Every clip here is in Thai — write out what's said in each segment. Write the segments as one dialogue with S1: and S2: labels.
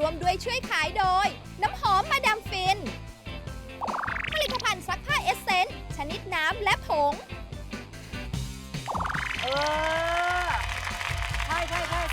S1: วมด้วยช่วยขายโดย น้ำหอมมาดามฟิน ผลิตภัณฑ์ซักผ้าเอสเซนส์ชนิดน้ำและผง
S2: ใช่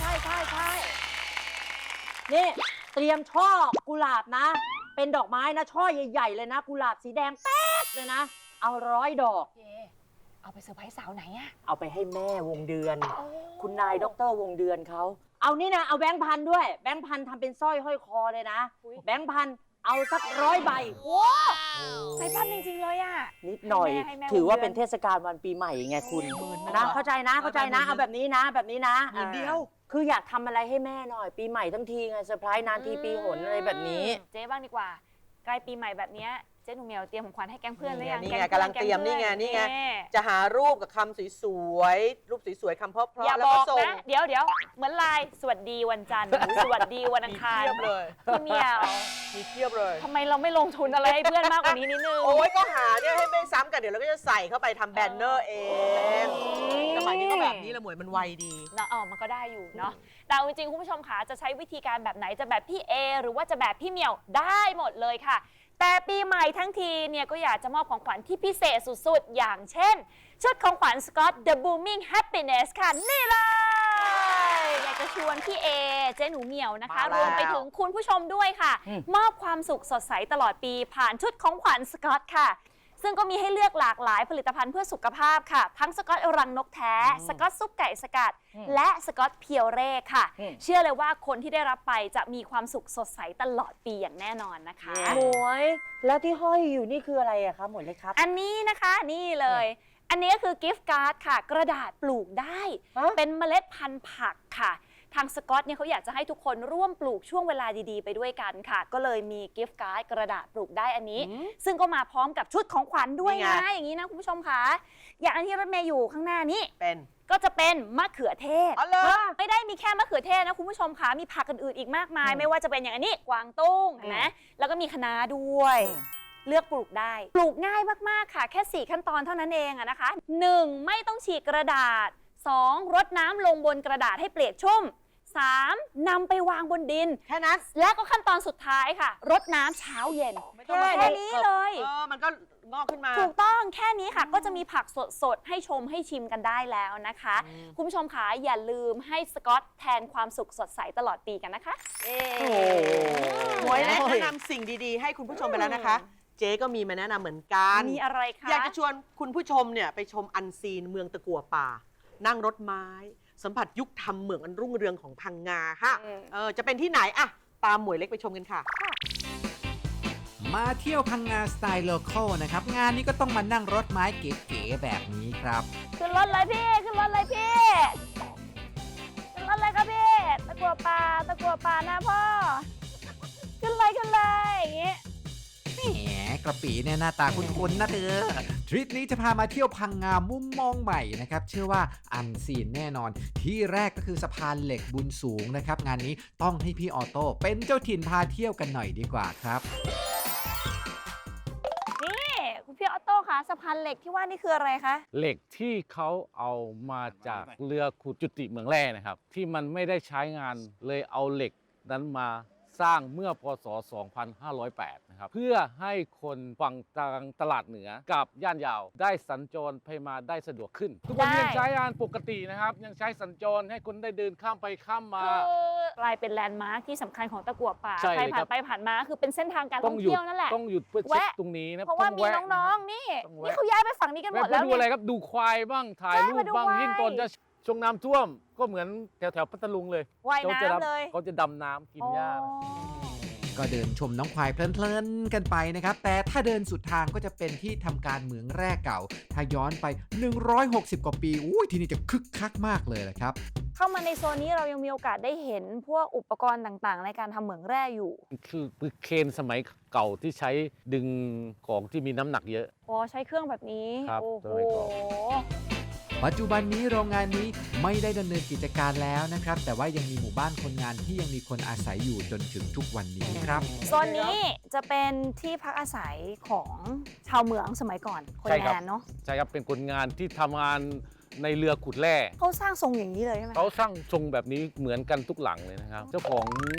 S2: นี่เตรียมช่อกุหลาบนะ เป็นดอกไม้นะช่อใหญ่ๆเลยนะกุหลาบสีแดงแป๊ดเลยนะเอา100 ดอก
S3: เอาไปเซอร์ไพรส์สาวไหนอะ
S2: เอาไปให้แม่วงเดือน คุณนายดร.วงเดือนเขาเอานี่นะเอาแบงค์พันด้วยแบงค์พันทำเป็นสร้อยห้อยคอเลยนะแบงค์พันเอาสัก100 ใบ
S3: ใจปั้มจริงๆเลยอะ
S2: นิดหน่อยถือว่าเป็นเทศกาลวันปีใหม่ไงคุณนะเข้าใจนะเอาแบบนี้นะแบบนี้นะ
S4: เดียว
S2: คืออยากทำอะไรให้แม่หน่อยปีใหม่ทั้งทีไงเซอร์ไพรส์นานทีปีหนอะไรแบบนี้
S3: เจ๊บ้างดีกว่าใกล้ปีใหม่แบบนี้เจ๊หนูเหมียวเตรียมของขวัญให้แก๊งเพื่อนหรือยัง
S4: นี่ไงกำลังเตรียมนี่ไงจะหารูปกับคำสวยๆรูปสวยๆคำเพราะๆ
S3: อย่า
S4: แล้ว
S3: บ
S4: ก็
S3: อก
S4: ส่ง
S3: นะเดี๋ยวเหมือนไลน์สวัสดีวันจันทร์สวัสดีวันอังคาร
S4: มีเทียบเลย
S3: พี่เหมียว
S4: มีเทียบเลย
S3: ทำไมเราไม่ลงทุนอะไรให้เพื่อนมากกว่านี้นิดนึง
S4: โอ้ยก็หาเนี่ยให้ไม่ซ้ำกันเดี๋ยวเราก็จะใส่เข้าไปทำแบนเนอร์เองสมัยนี้ก็แบบนี้ละหมวยมันไวดี
S3: เนาะมันก็ได้อยู่เนาะแต่จริงๆคุณผู้ชมคะจะใช้วิธีการแบบไหนจะแบบพี่เอหรือว่าจะแบบพี่เหมียวได้หมดเลยค่ะแต่ปีใหม่ทั้งทีเนี่ยก็อยากจะมอบของขวัญที่พิเศษสุดๆอย่างเช่นชุดของขวัญ Scott The Booming Happiness ค่ะนี่เลยอยากจะชวนพี่เอเจ๊หนูเหมียวนะคะ
S4: มาแล้ว
S3: รวมไปถึงคุณผู้ชมด้วยค่ะมอบความสุขสดใสตลอดปีผ่านชุดของขวัญ Scott ค่ะซึ่งก็มีให้เลือกหลากหลายผลิตภัณฑ์เพื่อสุขภาพค่ะทั้งสกอตรังนกแท้สกอตซุปไก่สกัดและสกอตเพียวเร่ค่ะเชื่อเลยว่าคนที่ได้รับไปจะมีความสุขสดใสตลอดปีอย่างแน่นอนนะคะ
S2: หมวยแล้วที่ห้อยอยู่นี่คืออะไรอะคะหมวยเล็กครับ
S3: อันนี้นะคะนี่เลยอันนี้ก็คือกิฟต์การ์ดค่ะกระดาษปลูกได้ เป็นเมล็ดพันธุ์ผักค่ะทางสกอตเนี่ยเขาอยากจะให้ทุกคนร่วมปลูกช่วงเวลาดีๆไปด้วยกันค่ะก็เลยมีกิฟต์การ์ดกระดาษปลูกได้อันนี้ซึ่งก็มาพร้อมกับชุดของขวัญด้วยนะอย่างนี้นะคุณผู้ชมค่ะอย่างอันที่รถเมย์อยู่ข้างหน้านี้ก็จะเป็นมะเขือเทศไม่ได้มีแค่มะเขือเทศนะคุณผู้ชมค่ะมีผักอื่นๆอีกมากมายไม่ว่าจะเป็นอย่างอันนี้กวางตุ้งเห็นไหมแล้วก็มีคะน้าด้วยเลือกปลูกได้ปลูกง่ายมากๆค่ะแค่4ขั้นตอนเท่านั้นเองนะคะ 1. ไม่ต้องฉีกกระดาษ 2. รดน้ำลงบนกระดาษให้เปียกชุ่ม 3. นำไปวางบนดิน
S4: แค่นั้น
S3: และก็ขั้นตอนสุดท้ายค่ะรดน้ำเช้าเย็นแค่นี้เลย
S4: มันก็งอกขึ้นมา
S3: ถูกต้องแค่นี้ค่ะก็จะมีผักสดๆให้ชมให้ชิมกันได้แล้วนะคะคุณผู้ชมคะอย่าลืมให้สกอตแทนความสุขสดใสตลอดปีกันนะคะ
S4: หมวยแนะนำสิ่งดีๆให้คุณผู้ชมไปแล้วนะคะเจ๊ก็มีมาแนะนำเหมือนกัน
S3: มีอะไรคะ
S4: อยากจะชวนคุณผู้ชมเนี่ยไปชมอันซีนเมืองตะกั่วป่านั่งรถไม้สัมผัสยุคทำเหมืองอันรุ่งเรืองของพังงาค่ะจะเป็นที่ไหนอะตามหมวยเล็กไปชมกันค่ะ
S5: มาเที่ยวพังงาสไตล์โลคอลนะครับงานนี้ก็ต้องมานั่งรถไม้เก๋ๆแบบนี้ครับ
S3: ขึ้นรถเลยพี่ขึ้นรถเลยพี่ขึ้นรถเลยครับพี่ตะกั่วป่านะพ่อขึ้นเลยอย่างงี้
S5: แหมกระปีเนี่ยหน้าตาคุ้นๆนะเธอทริปนี้จะพามาเที่ยวพังงามุมมองใหม่นะครับเชื่อว่าอันซีนแน่นอนที่แรกก็คือสะพานเหล็กบุญสูงนะครับงานนี้ต้องให้พี่ออโต้เป็นเจ้าถิ่นพาเที่ยวกันหน่อยดีกว่าครับ
S3: นี่คุณพี่ออโต้คะสะพานเหล็กที่ว่านี่คืออะไรคะ
S6: เหล็กที่เขาเอามาจากเรือขุดจุติเมืองแร่นะครับที่มันไม่ได้ใช้งานเลยเอาเหล็กนั้นมาสร้างเมื่อพศ 2508 นะครับเพื่อให้คนฝั่งตลาดเหนือกับย่านยาวได้สัญจรไปมาได้สะดวกขึ้นทุกวันยังใช้งานปกตินะครับยังใช้สัญจรให้คนได้เดินข้ามไปข้ามมาก
S3: ลายเป็นแลนด์มาร์คที่สำคัญของตะกั่วป่า
S6: ใคร
S3: ผ่านไปผ่านมาคือเป็นเส้นทางการท่องเที่ยวนั่นแหละ
S6: ต้องหยุดเพื่อเช็คตรงนี้นะ
S3: เพราะว่ามีน้องๆนี่เขาย้ายไปฝั่งนี้กันหมดแล้ว
S6: ดูอะไรครับดูควายบ้างถ่ายรูปบ้างยิ่งตอนจะช่วงน้ำท่วมก็เหมือนแถวพัทลุงเลย
S3: ว่ายน้ำเลย
S6: เขาจะดำน้ำกินหญ้า
S5: ก็เดินชมน้องควายเพลินๆกันไปนะครับแต่ถ้าเดินสุดทางก็จะเป็นที่ทำการเหมืองแร่เก่าถ้าย้อนไป160 กว่าปีที่นี่จะคึกคักมากเลยแหละครับ
S3: เข้ามาในโซนนี้เรายังมีโอกาสได้เห็นพวกอุปกรณ์ต่างๆในการทำเหมืองแร่อยู่
S6: คือเคนสมัยเก่าที่ใช้ดึงของที่มีน้ำหนักเยอะ
S3: ใช้เครื่องแบบนี้
S6: โอ้โห
S5: ปัจจุบันนี้โรงงานนี้ไม่ได้ดำเนินกิจการแล้วนะครับแต่ว่ายังมีหมู่บ้านคนงานที่ยังมีคนอาศัยอยู่จนถึงทุกวันนี้ครับ
S3: โซนนี้จะเป็นที่พักอาศัยของชาวเหมืองสมัยก่อนคนงานเนาะ
S6: ใช่ครับเป็นคนงานที่ทำงานในเรือขุดแร่
S3: เขาสร้างทรงอย่างนี้เลยใช่ไหม
S6: เขาสร้างทรงแบบนี้เหมือนกันทุกหลังเลยนะครับเจ้าของ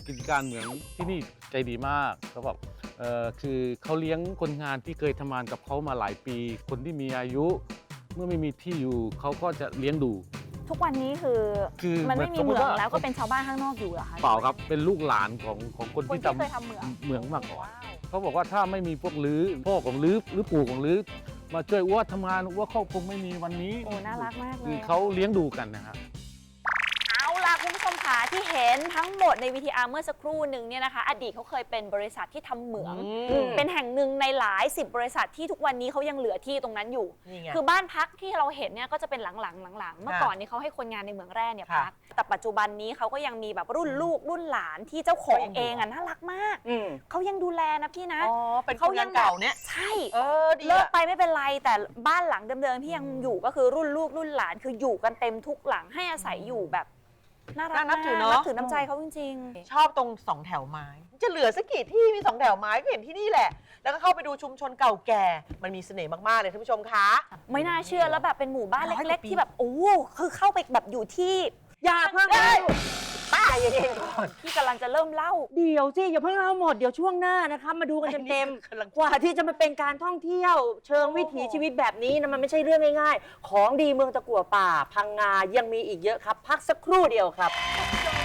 S6: กิจการเหมืองที่นี่ใจดีมากเขาบอกคือเขาเลี้ยงคนงานที่เคยทำงานกับเขามาหลายปี คนที่มีอายุ เมื่อไม่มีที่อยู่เขาก็จะเลี้ยงดู
S3: ทุกวันนี้คือ มันไม่มีเหมืองแล้วก็เป็นชาวบ้านข้างนอกอยู่เหรอคะ
S6: เปล่าครับเป็นลูกหลานของคน
S3: คน
S6: ที่
S3: ที่เคยทำเหมือง
S6: เหมืองมาก่อนเขาบอกว่าถ้าไม่มีพวกลื้อพ่อของลื้อหรือปู่ของลื้อมาช่วยอ้วทำงานอ้วเขาคงไม่มีวันนี้
S3: โอ้น่ารักมากเล
S6: คือย เขาเลี้ยงดูกันนะครับ
S3: เอาล่ะคุณผู้ชมค่ะที่เห็นทั้งหมดใน VTR เมื่อสักครู่หนึ่งเนี่ยนะคะ อดีตเขาเคยเป็นบริษัทที่ทำเหมือง เป็นแห่งหนึ่งในหลาย10บริษัทที่ทุกวันนี้เขายังเหลือที่ตรงนั้นอยู่
S4: นี่ไง
S3: คือบ้านพักที่เราเห็นเนี่ยก็จะเป็นหลังๆเมื่อก่อนนี้เขาให้คนงานในเหมืองแร่เนี่ย
S4: ค่ะ
S3: พักแต่ปัจจุบันนี้เขาก็ยังมีแบบรุ่นลูกรุ่นหลานที่เจ้าของ
S4: ก็ยังอยู่
S3: เองอ่ะน่ารักมาก
S2: อืม
S3: เขายังดูแลนะพี่นะ
S4: อ๋อเป็นคนงานเก่าเนี่ย
S3: ใช่
S4: ดี
S3: เลิก
S4: อะ
S3: ไปไม่เป็นไรแต่บ้านหลังเดิมๆที่ยังอยู่ก็คือรุ่นลูกรุ่นหลานคืออยู่กันเต็มทุกหลังให้อาศัยอยู่แบบน่ารัก
S4: น่านับถือเนอะ
S3: นับถือน้ำใจเขาจริง
S4: ชอบตรงสองแถวไม้ จะเหลือสักกี่ที่มีสองแถวไม้ก็เห็นที่นี่แหละ แล้วก็เข้าไปดูชุมชนเก่าแก่ มันมีเสน่ห์มาก ๆ เลยท่านผู้ชมคะ
S3: ๆ ไม่น่าเชื่อแล้วแบบเป็นหมู่บ้าน
S4: 100
S3: เล็ก
S4: กว่าปี
S3: ๆ ที่แบบโอ้คือเข้าไปแบบอยู่ที่
S2: อย่าเพิ่งเลยป้าอย่าเย็นก่อน
S3: ที่กำลังจะเริ่มเล่า
S2: เดี๋ยวสิอย่าเพิ่งเล่าหมดเดี๋ยวช่วงหน้านะคะมาดูกันเต็ม
S4: กำลัง
S2: ๆกว่าที่จะมาเป็นการท่องเที่ยว เชิงวิถีชีวิตแบบนี้นะมันไม่ใช่เรื่องง่ายๆ ของดีเมืองตะกั่วป่า พังงายังมีอีกเยอะครับ พักสักครู่เดียวครับ